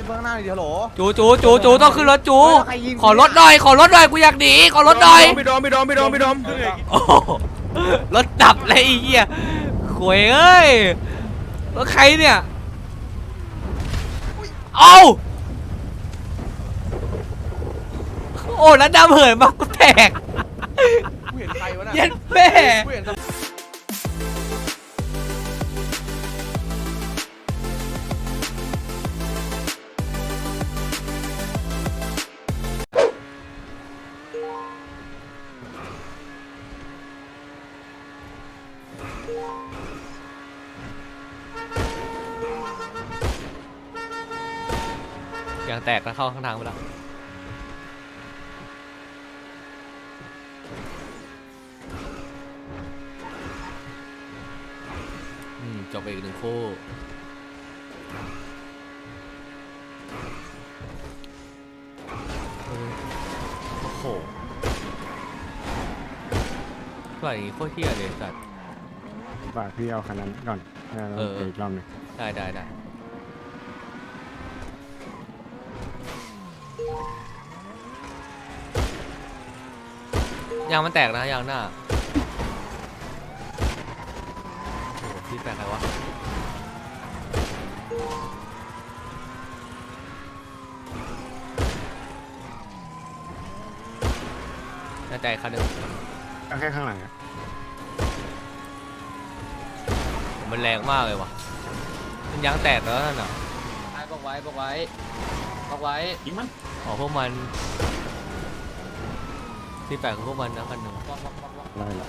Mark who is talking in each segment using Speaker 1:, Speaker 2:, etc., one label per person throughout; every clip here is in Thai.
Speaker 1: เบื้องหน้าเดี๋ยวโหล
Speaker 2: จูต้องขึ้นรถจูขอรถหน่อยกูอยากหนีขอรถหน่อย
Speaker 3: พี่ดอม
Speaker 2: โอ้รถดับเลยไอ้เหี้ยขวยเอ้ยรถใครเนี่ยเอาโอ้แล้วดำเหินมากูแตก
Speaker 1: กูเห็นใครวะน่ะ
Speaker 2: เย็นแม่
Speaker 1: กูเห็น
Speaker 2: ยางแตกแล้วเข้าข้างทางไปแล้วจบไปอีกหนึ่งคู่โอ้โหปล่อยอย่างงี้โคตรเที่ยเลยสัตว์
Speaker 4: ฝากพี่เอาคันนั้นก่อนอีกรอบหนึ่ง
Speaker 2: ได้ยางมันแตกนะยางหน้าโอ้พี่แตกใครวะน่าใจคันหนึ่ง
Speaker 4: ก็แค่ข้างหลัง
Speaker 2: มันแรงมากเลยวะมันยางแตกแล้วนั่นน่ะ
Speaker 5: บอกไว้
Speaker 3: ยิงมัน
Speaker 2: อ๋อพวกมันที่แปลกของพวกมันนะคันหนึ่ง
Speaker 4: ไล่หรอ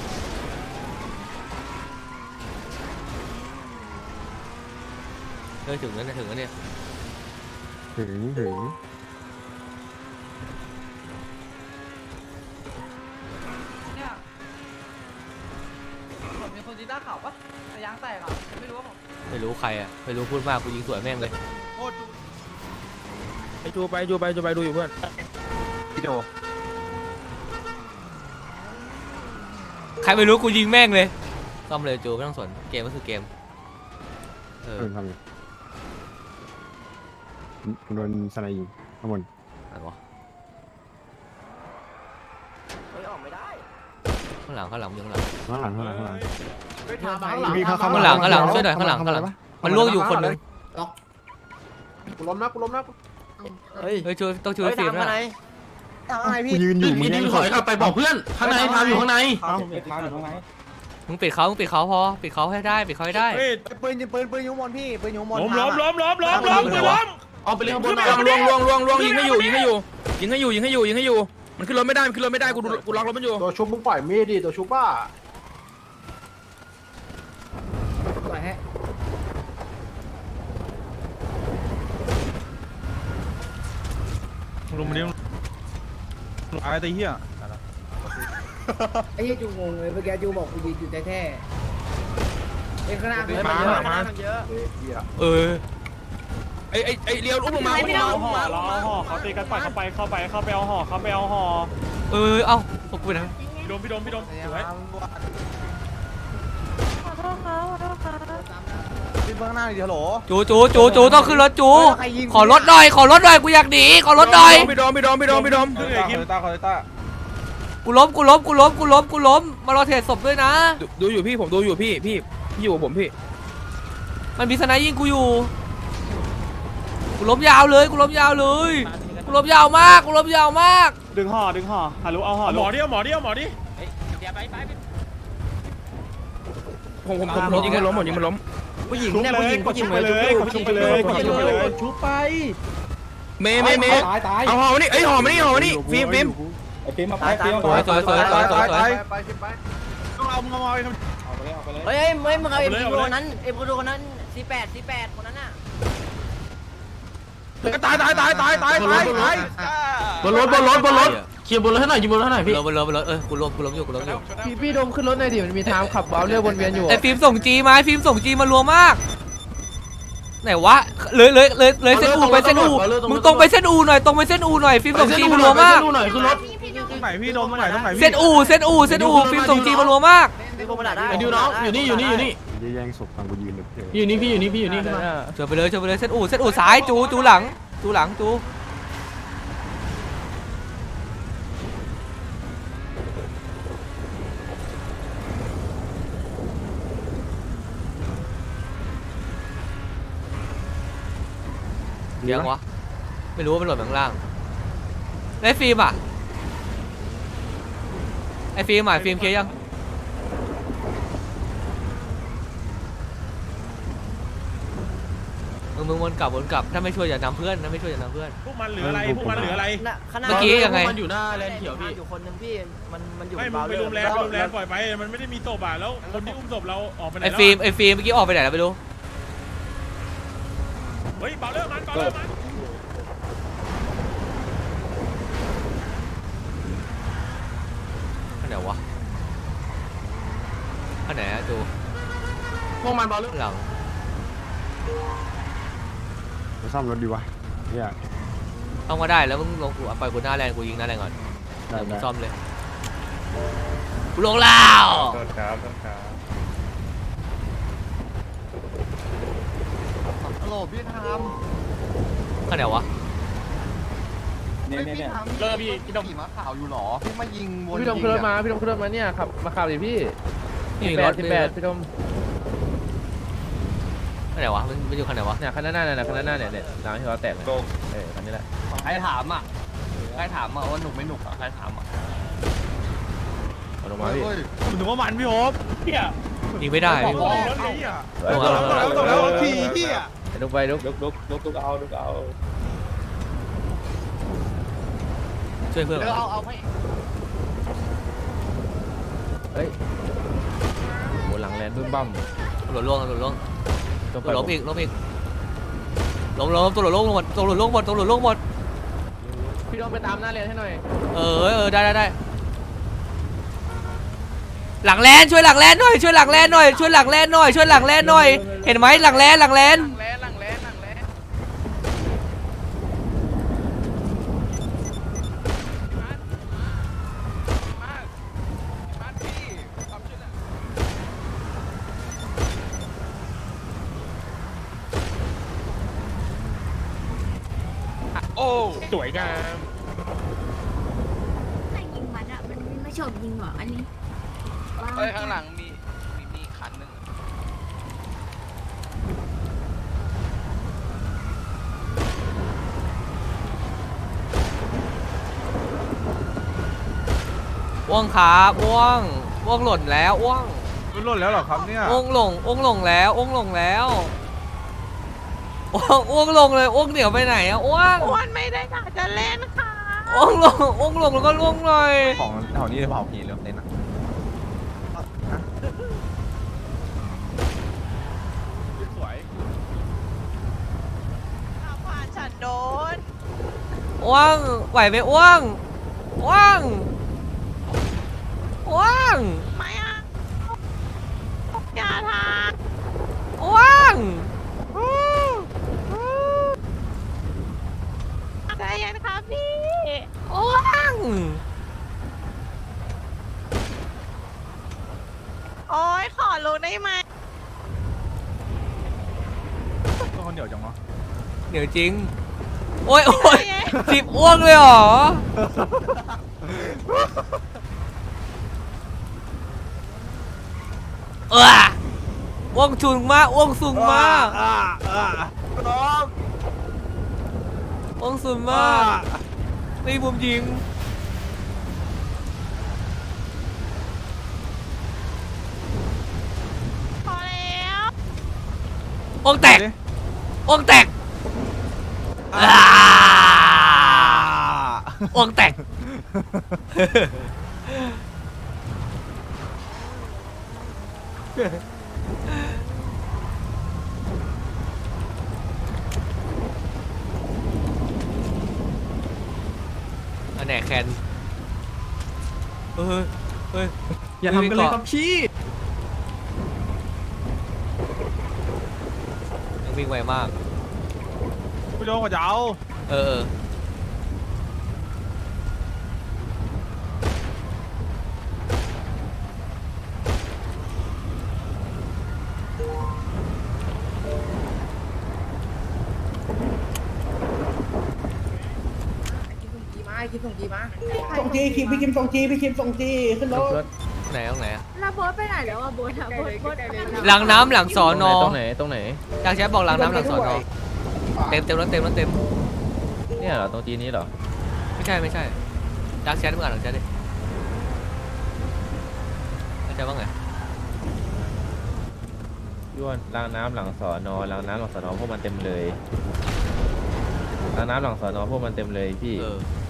Speaker 2: ถึงแล้วเนี่ย
Speaker 4: ถึง
Speaker 1: เนี่ยผมมีคนจีน่าข่าวปะแต่ยางแตกอ่ะไม่รู้ว่าผม
Speaker 2: ไม่รู้ใครอ่ะไม่รู้พูดมากกูยิงสวยแม่งเลย
Speaker 1: โคตร
Speaker 3: ไปจูไปดูอยู่เพื่อน
Speaker 1: พี่โด
Speaker 2: ใครไม่รู้กูยิงแม่งเลยซ่อมเลยจูไม่ต้องสนเกมก็คือเกม
Speaker 4: ทำไงโดนสไนยิงข้างบน
Speaker 2: อะไรวะ
Speaker 5: ออกไม่ได้
Speaker 2: ข้างหลัง
Speaker 4: ข้างหลัง
Speaker 1: ไปถามหลัง
Speaker 2: ข้างหลังช่วยหน่อยข้างหลังมันล่วงอยู่คนนึง
Speaker 1: กูล้มนะ
Speaker 2: เฮ้ยช่วยต้องช่วยฟิล์มนะ
Speaker 1: อะไรพี่
Speaker 4: ยืนอยู่มึง
Speaker 3: ถอยกลับไปบอกเพื่อนข้างในพาอยู่ข้างใน
Speaker 2: มึงปิดเขาพอปิดเขาให้ได้ปืน
Speaker 1: อยู่บนพี่ปืนอยู่บน
Speaker 3: ล้มเอาไปเล่นข้างบนล่วงยิงให้อยู่มันขึ้นรถไม่ได้กูล็อกรถมันอยู่
Speaker 1: ตัวชุบมึงปล่อยมีดดิตัวชุบบ้า
Speaker 3: ลงมาเลี้ยงอะไรตีเหี้ย
Speaker 5: ไอ้ยูงงเลยเมื่อกี้ยูบอกกูยืนอยู่แท้ๆไอ้ข้างหน้ามันเยอะ
Speaker 3: ไอเลี้ยวอุ้มลงมา
Speaker 6: ห่อเขาตีกันปล่อยเข้าไปเอาห่อ
Speaker 2: เอาพวกกูนะ
Speaker 6: พี่ดมสวย
Speaker 1: พี่เบื้องหน้าเดี๋ยวโหล
Speaker 2: จูต้องขึ้นรถจูขอรถหน่อยกูอยากหนีขอรถหน่อย
Speaker 3: พี่ดอม
Speaker 2: กูล้มมารอเทรดศพด้วยนะ
Speaker 3: ดูอยู่พี่ผมดูอยู่พี่อยู่กับผมพี่
Speaker 2: มันมีสไนยิงกูอยู่กูล้มยาวเลยกูล้มยาวมาก
Speaker 6: ดึงห่อฮัลโหลเอาห่อหมอดิ
Speaker 3: ผมยิงมันล้ม
Speaker 5: ผู้หญิงเนี่ยผู้หญิง
Speaker 6: ไปเลยชุบไป
Speaker 3: เมเอาห่อมานี่ห่อมานี่ฟิล์ม
Speaker 6: ไอ้ฟิล์มมาไป
Speaker 2: สวย
Speaker 1: ไปต้องเอามึงเอาไป
Speaker 5: เฮ้ยมึงเอาเอ็มพีคนนั้น48คนนั้นน่ะ
Speaker 3: ตายบนรถเคลียร์บนรถให้หน่อยยิงบนรถให้หน่อยพี่
Speaker 2: บนรถกูล้มอยู่
Speaker 5: พี่ดมขึ้นรถหน่อยดิมันมีทางขับเบาเรือวนเวียนอยู่
Speaker 2: ไอ้ฟิล์มส่งจีมารัวมากไหนวะเลยเส้นอูไปเส้นอูมึงตรงไปเส้นอูหน่อยฟิล์มส่งจีมารัวมาก
Speaker 3: ขึ้นรถ
Speaker 6: ตรงไหนพี่โดนตรงไหน
Speaker 2: เส้นอูฟิล์มส่งจีมารัวมาก
Speaker 3: ไอ้ดิวน้องอยู่นี่
Speaker 4: จะแย่งศพตอนกูยืนหรือเปล่า
Speaker 3: พี่อยู่นี่ขึ้นมา
Speaker 2: เจอไปเลยเส้นอู่ซ้ายจูหลังจูยังวะไม่รู้ว่ามันหล่นข้างล่างไอ้ฟิล์มอ่ะไอ้ฟิล์มเคลียร์ยังมึงวนกลับถ้าไม่ช่วยอย่านำเพื่อน
Speaker 6: พวกมันเหลืออะไรเ
Speaker 2: มื่อกี้ยังไง
Speaker 3: มันอยู่หน้าแลนเขียวพี่
Speaker 1: อยู่คนนึงพี่มันอยู่
Speaker 6: ไม่มึงไปรวมแลนปล่อยไปมันไม่ได้มีศพแล้วคนที่อุ้มศพเราออกไปไหน
Speaker 2: ไอ้ฟิล์มเมื่อกี้ออกไปไหนแล้วไม่รู้
Speaker 6: เฮ้ยเบาเลิกมัน
Speaker 2: อันไหนวะอันไหนอะจู
Speaker 3: พวกมันบอลลูน
Speaker 2: หลัง
Speaker 4: มาซ่อมรถดีวะเนี่ย
Speaker 2: ต้องมาได้แล้วมึงลงกูไปกูหน้าแรงกูยิงหน้าแรงก่อน
Speaker 4: ได้
Speaker 2: เดี๋ยวมึง
Speaker 4: ได้
Speaker 2: ซ่อมเลยกูลงแล้ว
Speaker 6: โทษครับ
Speaker 1: โหลพี่ท
Speaker 2: อันไหนวะ
Speaker 1: ำเนี่ยเลิกพี่ดมขี่ม้าขาวอยู่หรอพี่มายิงวน
Speaker 7: พี่ดมขึ้นรถมาเนี่ยขับมาขับดิพี่
Speaker 2: นี่รถ
Speaker 7: 18พี่ดม
Speaker 2: อันไหนวะมันอยู่คันไหนวะ
Speaker 7: เนี่ยคันหน้าเนี่ยร้านที่เราแตกเนี่ยคันนี้แหละ
Speaker 1: ใครถามอ่ะว่าหนุกไม่หนุกอ่ะใครถามอ่ะ
Speaker 7: เอาลงมาพี่
Speaker 6: คุณถึงว่ามันพี่โฮปเฮีย
Speaker 2: ยิงไม่ได้
Speaker 6: ร
Speaker 2: พี่
Speaker 6: ถนี้อ่ะ
Speaker 7: แล้วทีพี่อ่ะลุกไปลุก
Speaker 2: ช่วยเพื่อนก่อน
Speaker 1: เอาให้
Speaker 7: เฮ้ยโหหลังแลนบึ้มบั้ม
Speaker 2: ตำรวจล่วง
Speaker 7: ต้อง
Speaker 2: ตำรวจ
Speaker 7: ไป
Speaker 2: ล้มอีกล้มตำรวจล่วงหมด
Speaker 7: พี่ดมไปตามหน้าเรียนให้หน่อย
Speaker 2: ได้หลังแลนช่วยหลังแลนหน่อยเห็นไหมหลังแลน
Speaker 6: สวยงาม
Speaker 8: แต่ยิงมันอะมันไม่ชอบยิงหรออันนี้
Speaker 1: เฮ้ยข้างหลังมีคันนึง
Speaker 2: อ้วงครับอ้วงหล่นแล้วอ้วง
Speaker 6: หล่นแล้วเหรอครับเนี่ย
Speaker 2: อ้วงหลงแล้วอ้วงลงเลยอ้วงเหนียวไปไหนอะอ้วง
Speaker 8: ไม่ได้อยากจะเล่นค่ะ
Speaker 2: อ้วงลงแล้วก็ล่วงหน่อย
Speaker 6: ของแถวนี้เผาผีเรื่องเต้นอ่ะ สวย
Speaker 8: ผ่านฉันโดน
Speaker 2: อ้วงไหวไหมอ้วง
Speaker 8: ไม่อะอย่าทาน
Speaker 2: อ้วง
Speaker 8: ใจเย็นครับพี่
Speaker 2: อ้วง
Speaker 8: โอ้ยขอรู้ได้ไหม
Speaker 6: คนเดียวจังวะ
Speaker 2: เหนียวจริงโอ้ยจิบอ้วงเลยเหรออ้วงสูงมากอ้วงสูงมากตีมุมยิง
Speaker 8: พอแล้ว
Speaker 2: อ้วงแตกอ้วงแตกอันไหนแคนเฮ้ย
Speaker 3: อย่าทำกันเลยครับพี่
Speaker 2: ยังวิ่งไวมาก
Speaker 6: พี่โดนกว่าจะเอา
Speaker 2: เออ
Speaker 5: คิมส่งจีมา
Speaker 9: ส่งจีคิมพี่คิมส่งจีพี่คิมส่งจีขึ้นรถ
Speaker 7: รถ
Speaker 2: ไหนตรงไหนอะ
Speaker 8: แล้วโบ๊ทไปไหนแล้วอ่ะโบ๊ทอะโบ๊ท
Speaker 2: หลังน้ำหลังสอนอ
Speaker 7: ตรงไหนตรงไหน
Speaker 2: จากแชทบอกหลังน้ำหลังสอนอเต็มรถเต็มรถเต็ม
Speaker 7: เนี่ยเหรอตรงจีนี้เหรอ
Speaker 2: ไม่ใช่จากแชทเมื่อก่อนหลังแชทดิแชทว่าไง
Speaker 7: ย้วนรางน้ำหลังสอนอรางน้ำหลังสอนอพวกมันเต็มเลยรางน้ำหลังสอนอพวกมันเต็มเลยพี่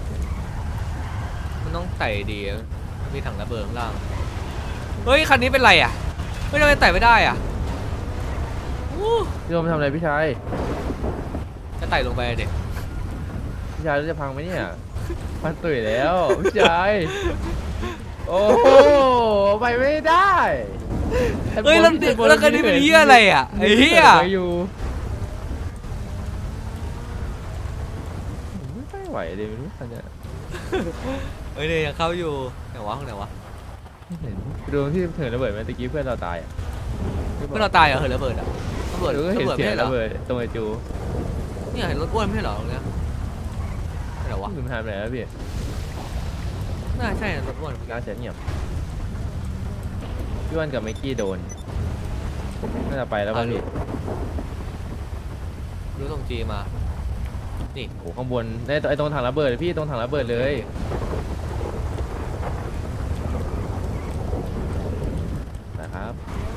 Speaker 2: มันต้องไต่ดีอะมีถังระเบิดข้างล่างเฮ้ยคันนี้เป็นไรอ่ะเฮ้ยทำไมไต่ไม่ได้อ่ะอู้
Speaker 7: พี่โดมทำอะไรพี่ชาย
Speaker 2: จะไต่ลงไปเด็ก
Speaker 7: พี่ชายรถจะพังไหมเนี่ยมันตุ๋ยแล้วพี่ชายโอ้โหไปไม่ได้
Speaker 2: เฮ้ยแล้วคันนี้เป็นเหี้ยอะไรอ่ะไอ้เหี้ย
Speaker 7: อยู่ไม่ไหวเลยไม่รู้คันเนี้ย
Speaker 2: เฮ้ยเนี่ยยังเข้าอยู่ไหนวะข้างไหนวะ
Speaker 7: เห็นโดนที่เถิดระเบิดไหมตะกี้เพื่อนเราตายอ่ะ
Speaker 2: เพื่อนเราตายเหรอเหินระเบิดอ่ะระเบิด
Speaker 7: เออเห็น
Speaker 2: ระเบิด
Speaker 7: เสี
Speaker 2: ไม่
Speaker 7: ยง
Speaker 2: ใช่เหรอ
Speaker 7: ระเบิดตรงไอจู
Speaker 2: เนี่ยเห็นรถอ้วนไม่ใช่เหรอตรงเนี้ยไหนวะ
Speaker 7: ลืมทำอะไรแล้วพี่
Speaker 2: น่าใช่รถอ้วน
Speaker 7: น่าจะเงียบพี่วันกับไมค์กี้โดนน่าจะไปแล้วป่ะพี่
Speaker 2: รู้ส่งจีมานี่
Speaker 7: โอ้ข้างบนไอตรงถังระเบิดพี่ตรงถังระเบิดเลยนะครับ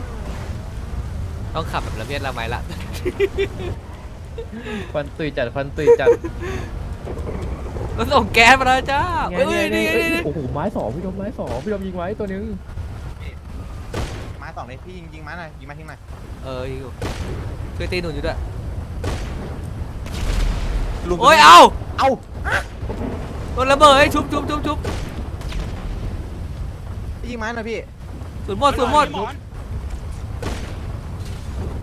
Speaker 2: ต้องขับแบบระเบียดระไมละ
Speaker 7: ควันตุยจัดควันตุยจัด
Speaker 2: รถส่งแก๊สมาแล้วจ้าเฮ้ยนี่
Speaker 7: โอ้โหไม้สองพี่โดมไม้สองพี่โดมยิงไว้ตัวนึง
Speaker 9: มาสองเลยพี่ยิงมาหน่อยยิงมาทิ้งหน่อย
Speaker 2: ยิงอยู่ช่วยตีหนุนอยู่ด้วยโอ้ยเอาโดนระเบิดให้ชุบ
Speaker 9: พี่ยิงมาหน่อยพี่
Speaker 2: สุดหมด
Speaker 7: ไป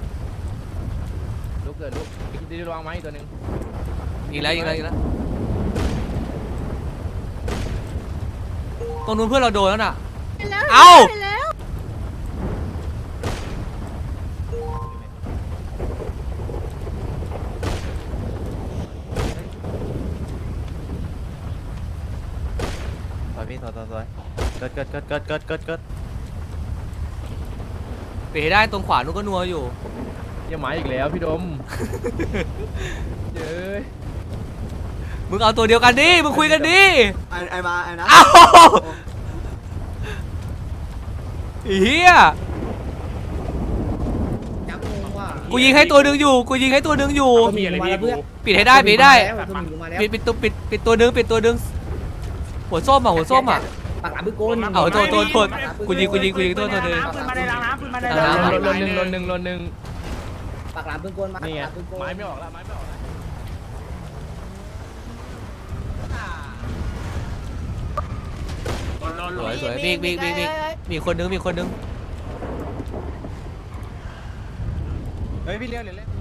Speaker 7: ลุกเกิดลุกดีระวังไม้อีกตัวนึง
Speaker 2: ยิงแล้วตรงนู้นเพื่อนเราโดนแล้วน่ะเอา
Speaker 9: ถอยพี่ถอยเกิด
Speaker 2: เปให้ได้ตรงขวานู้นก็นัวอยู่
Speaker 7: ยังไม้อีกแล้วพี่โดมเย้ย
Speaker 2: มึงเอาตัวเดียวกันดิมึงคุยกันดิ
Speaker 9: ไอ้มาไอ้นะ
Speaker 2: เอาเฮีย
Speaker 5: จับงงว่ะ
Speaker 2: กูยิงให้ตัวหนึ่งอยู่
Speaker 6: มีอะไรพี่กู
Speaker 2: ปิดให้ได้ปิดให้ได้
Speaker 5: ตัวหมีมาแล้ว
Speaker 2: ปิดตัวหนึ่งหัวส้มอ่ะ
Speaker 5: ปากหลามบึ้งโกน
Speaker 2: เอาโทษกูยิงตัวหนึ่ง
Speaker 6: ปืนมาในรางน้ำปืนมาใน
Speaker 2: รางน้ำ
Speaker 7: ลนหนึ่ง
Speaker 5: ปากหลามบึ้งโกนมา
Speaker 7: นี่ไง
Speaker 5: ปากหลามบึ้งโกน
Speaker 7: ไม้ไม่ออกแล้วไม้ไม่ออกแล้ว
Speaker 2: สวยมีคนนึง
Speaker 9: เฮ้ยพี่เลี้ยวเลย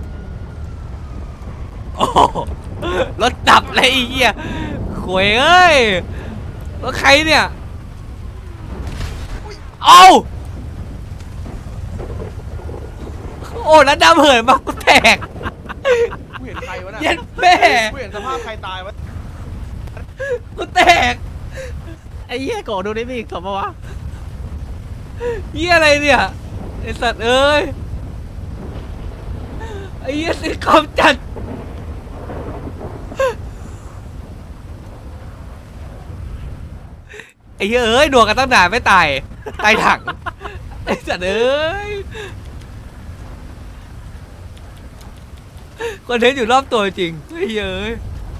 Speaker 2: โอ้โหรถดับเลยไอ้เหี้ยขวยเอ้ยรถใครเนี่ยเอาโอ้แล้วดำเหินมากูแตก
Speaker 9: กูเห็นใครวะน่ะ
Speaker 2: เย็นแม่
Speaker 9: กูเห็นสภาพใครตายวะ
Speaker 2: กูแตก
Speaker 7: ไอ้เหี้ยโกดูได้มีอีกสมวะ
Speaker 2: เหี้ยอะไรเนี่ยไอสัตว์เอ้ยไอ้เหี้ยสิคอมจัดไอ้เหี้ยเอ้ยหนวกกันตั้งนานไม่ตายถังไอ้สัตว์เอ้ยคอนเทนต์อยู่รอบตัวจริงไอ้เหี้ยเอ้ย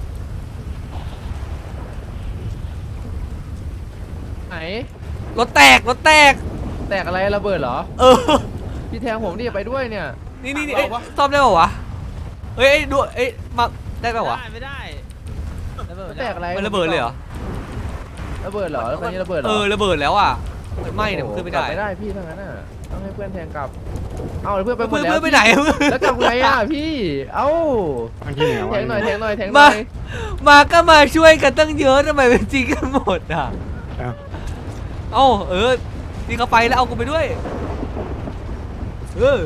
Speaker 7: ไหน
Speaker 2: รถแตก
Speaker 7: แตกอะไรระเบิดเหรอ
Speaker 2: เออ
Speaker 7: พี่แทงผมดิไปด้วยเนี่ย
Speaker 2: นี่เอ้ยซ่อมได้ป่าวะเฮ้ยดูเอ้ยมาได้ป่าวะ
Speaker 7: ไม่ได้แตกอะไร
Speaker 2: มันระเบิดเลยเหรอ
Speaker 7: ระเบิดเหรอแล้วคันนี้ระเบิดเหรอ
Speaker 2: ระเบิดแล้วอ่ะมันไหม้เนี่ยมันขึ้นไม่ได้
Speaker 7: กลับไม่ได้พี่ทั้งนั้นน่ะต้องให้เพื่อนแทงกลับเอาเพื่อนไปหมด
Speaker 2: เพื่อน
Speaker 7: แล้ว
Speaker 2: ไปไหน
Speaker 7: แล้วกลับไงอ่ะพี่เอ้า
Speaker 4: ข้างที่เหนือ
Speaker 7: แท
Speaker 4: วะ
Speaker 7: งหน่อยแทงหน่อย
Speaker 2: มาก็มาช่วยกันตั้งเยอะทำไมเป็นจริงกันหมดอ่ะ
Speaker 4: เอ้า
Speaker 2: นี่เขาไปแล้วเอากูไปด้วยเฮ้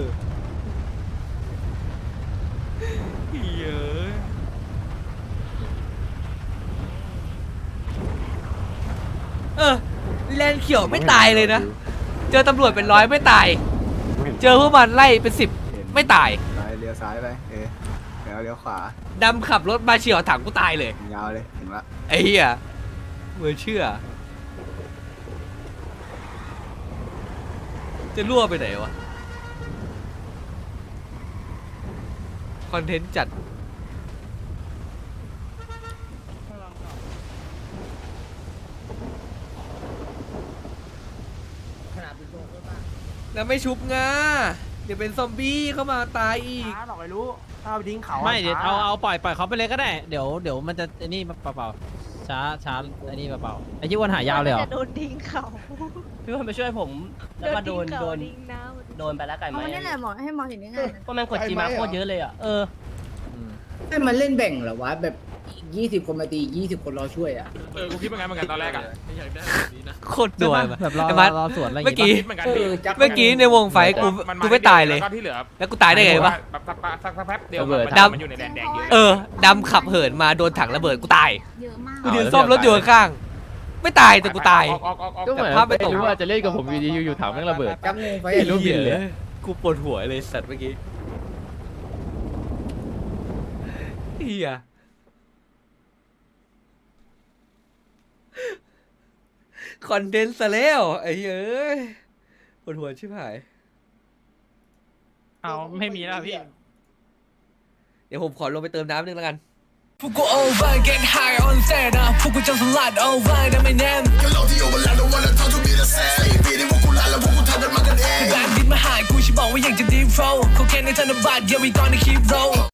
Speaker 2: ยแลนเขียวไม่ตายเลยนะ เจอตำรวจเป็นร้อยไม่ตาย เจอพวกมันไล่เป็น10ไม่ตาย
Speaker 9: ซ้ายเลี้ยวซ้ายไปแล้วเลี้ยวขวา
Speaker 2: ดำขับรถมาเฉียวถังกูตายเลย
Speaker 9: ยาวเลยถึงละ
Speaker 2: ไอ้เหี้ยมือเชื่อ จะรั่วไปไหนวะ คอนเทนต์จัด
Speaker 5: ขนาดเป็นโลกเลยป่ะ
Speaker 2: แล้วไม่ชุบงาเดี๋ยวเป็นซอมบี้เข้ามาตายอีก
Speaker 9: หรอกไอ้รู้ถ้าไปทิ้งเขา
Speaker 6: ไม่เดี๋ยวเอาปล่อยเขาไปเลยก็ได้เดี๋ยวมันจะไอ้นี่เปล่าๆช้าไอ้นี่เปล่าๆไอ้ยี่วันหายาวเลยเหรอ
Speaker 8: จะโดนทิ้งเขา
Speaker 10: พี่วันไปช่วยผมแล้วมาโดน
Speaker 8: ทิ้งน้ำ
Speaker 10: โดนไปแล้วไก่ไหม
Speaker 8: เอาเนี่ยแหละหมอให้หมอเห็นยังไง
Speaker 10: เพราะมันกดจีมาโคตรเยอะเลยอ่ะ
Speaker 6: 嗯
Speaker 5: ให้มันเล่นแบ่งเหรอวะแบบ20 คนมาตี20 คนรอช่วยอ่ะ
Speaker 3: กูคิดเหมือนกันตอนแรกอ่ะ
Speaker 2: โคตรด่วน
Speaker 6: แบบรอ
Speaker 2: ไอ้มัด
Speaker 6: รอสวนอะไรอย่าง
Speaker 2: เมื่อ
Speaker 6: งี้
Speaker 2: กี้
Speaker 3: คิดเหมือนกัน
Speaker 2: เมื่อกี้ในวงไฟกูไม่ตายเลย
Speaker 3: แล้วก็ที่เหลือ
Speaker 2: แล้วกูตายได้ไงวะ
Speaker 3: แบบสักแป๊บเดียวมันอยู่ในแดนแดงเยอะ
Speaker 2: เออ ดำขับเหินมาโดนถังระเบิดกูตาย
Speaker 8: เยอะมาก
Speaker 2: กูยืนซ่อมรถอยู่ข้างๆไม่ตายแต่กูตาย
Speaker 7: ก็เหมือน
Speaker 2: แต่ภาพไม่ตรง
Speaker 7: ไม่รู้ว่าจะเล่นกับผมอยู่ดีอยู่ถังแม่งระเบิด
Speaker 5: จับงูไฟ
Speaker 7: ไม่รู้บินเลย
Speaker 2: กูปวดหัวเลยสัตว์เมื่อกี้เฮียคอนเทนต์ซะแล้วไอ้เหี้ยเอ้ยปวดหัวชิบหาย
Speaker 6: เอาไม่มีแล้วพี่
Speaker 2: เดี๋ยวผมขอลงไปเติมน้ำนึงแล้วกัน
Speaker 11: พวกกู over get high on set นะพวกกูจะสลัด over นะไม่แน่นก็เราที่ over แล้ว don't wanna talk to me the same ปีนี้พวกกูลาแล้วพวกกูทำกันมากันเองแบงค์ดินมาหายกูฉันบอกว่าอยากจะ deep flow เขาแค่ในธนบัตร yeah we gonna keep roll